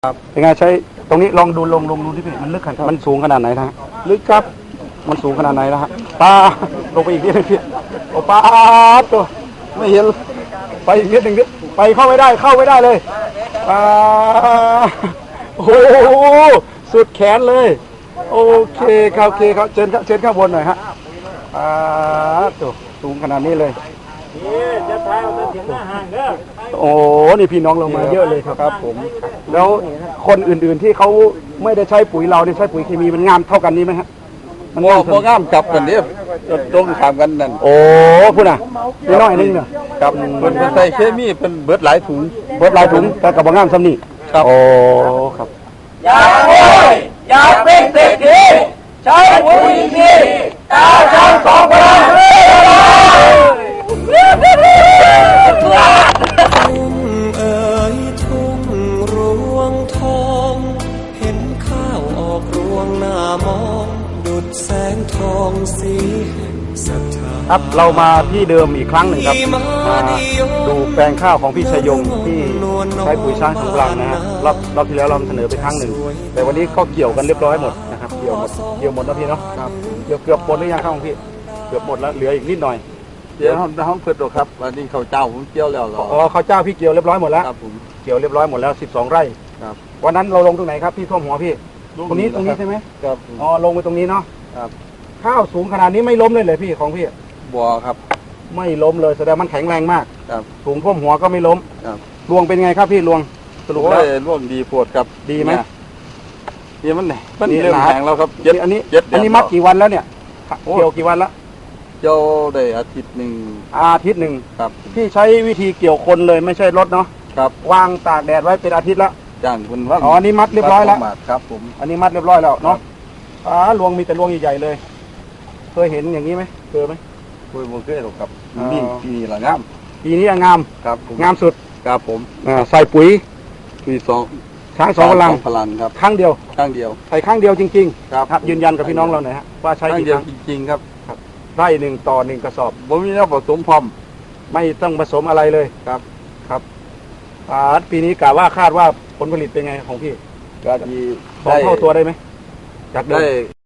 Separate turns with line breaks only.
ครับ
เป็นไงใช้ตรงนี้ลองดูลงดูที่พี่มันลึกขนาดมันสูงขนาดไหนนะลึกครับมันสูงขนาดไหนนะฮะปลาลงไปอีกนิดนึงพี่โอ้ปลาตัวไม่เห็นไปอีกนิดนึงไปเข้าไม่ได้เลยปลาโอ้โหสุดแขนเลยโอเคครับเชิญข้างบนหน่อยฮะปลาตัวสูงขนาดนี้เลยจะพาเราถึงหน้าห้างเด้อโอ้นี่พี่น้องเรามาเยอะเลยครับผมแล้วคนอื่นๆที่เขาไม่ได้ใช้ปุ๋ยเราได้ใช้ปุ๋ยเคมีมันงามเท่ากันนี้ไหมฮะ
มันพองามจับกันเดียตรงถามกันนั่น
โอ้พูดน่ะนิดหน่อยนึงเนี่ย
ครับเป็นใส่เคมีเป็นเบิดหลายถุง
แต่กับบางงามซ้ำนี่
ครับ
โอ้ครับ
อยากเป็นเศรษฐีใช้ปุ๋ยดีตาช้างสองพลัง
ทุ่งรวงทองเห็นข้าวออกรวงหน้ามองดุจแสงทองสีแห่งศรัทธา
ครับเรามาที่เดิมอีกครั้งหนึ่งครับมาดูแปลงข้าวของพี่ชัยยงที่ใช้ปุ๋ยช้างสองพลังนะฮะรอบที่แล้วเราเสนอไปครั้งหนึ่งแต่วันนี้ก็เกี่ยวกันเรียบร้อยหมดนะครับเกี่ยวหมดแล้วพี่เนาะครับเกือบหมดหรือยังข้าวของพี่เกือบหมดแล้วเหลืออีกนิดหน่อย
เดี๋ยวห้องเปิดตัวครับวันนี้เขาเจ้าผมเกี่ยวแล้ว
อ๋อเขาเจ้าพี่เกี่ยวเรียบร้อยหมดแล้ว
ครับผม
เกี่ยวเรียบร้อยหมดแล้ว12 ไร่
ครับ
วันนั้นเราลงตรงไหนครับพี่ท่วมหัวพี่ตรงนี้ใช่ไหม
ครับ
อ๋อลงไปตรงนี้เนาะ
ครับ
ข้าวสูงขนาดนี้ไม่ล้มเลยพี่ของพี่
บัวครับ
ไม่ล้มเลยแสดงมันแข็งแรงมาก
ครับ
สูงท่วมหัวก็ไม่ล้ม
ครับ
รวงเป็นไงครับพี่รวงสรุปแล้ว
ร่วมดีปวดครับ
ดีไหม
ดีมันไหนมันเริ่มแข็งแล้วครับ
อันนี้มัดกี่วันแล้วเนี่ยเกี่ยวกี่วันแล้ว
เจ้าได้อาทิตย์หนึ่ง
ครับพี่ใช้วิธีเกี่ยวคนเลยไม่ใช่รถเนาะ
ครับ
วางตากแดดไว้เป็นอาทิตย์แล้ว
จ้างคุณว่า
อ๋ออันนี้มัดเรียบร้อยแล้ว
ครับผม
อันนี้มัดเรียบร้อยแล้วเนาะรวงมีแต่รวงใหญ่ๆเลยเคยเห็นอย่างนี้ไหมเคยไหม
คุยโมเกอร์ครับนี่ปีนี้ละงาม
ปีนี้งาม
ครับ
งามสุด
ครับผม
ใส่ปุ๋ย
ปี
ช้างสองพลัง
ครับ
ครั้งเดียวใส่ครั้งเดียวจริง
ๆครับ
ยืนยันกับพี่น้องเราหน่อยฮะว่าใช้
ครั้งเดียวจริงๆครับ
ไร่หนึ่งต่อหนึ่งกระสอบ
ผมมีน้ำผสมพร้อม
ไม่ต้องผสมอะไรเลยครับปีนี้กะว่าคาดว่าผลผลิตเป็นไงของพี่
ก็ดี
2 เท่าตัวได้ไหมจากเดิม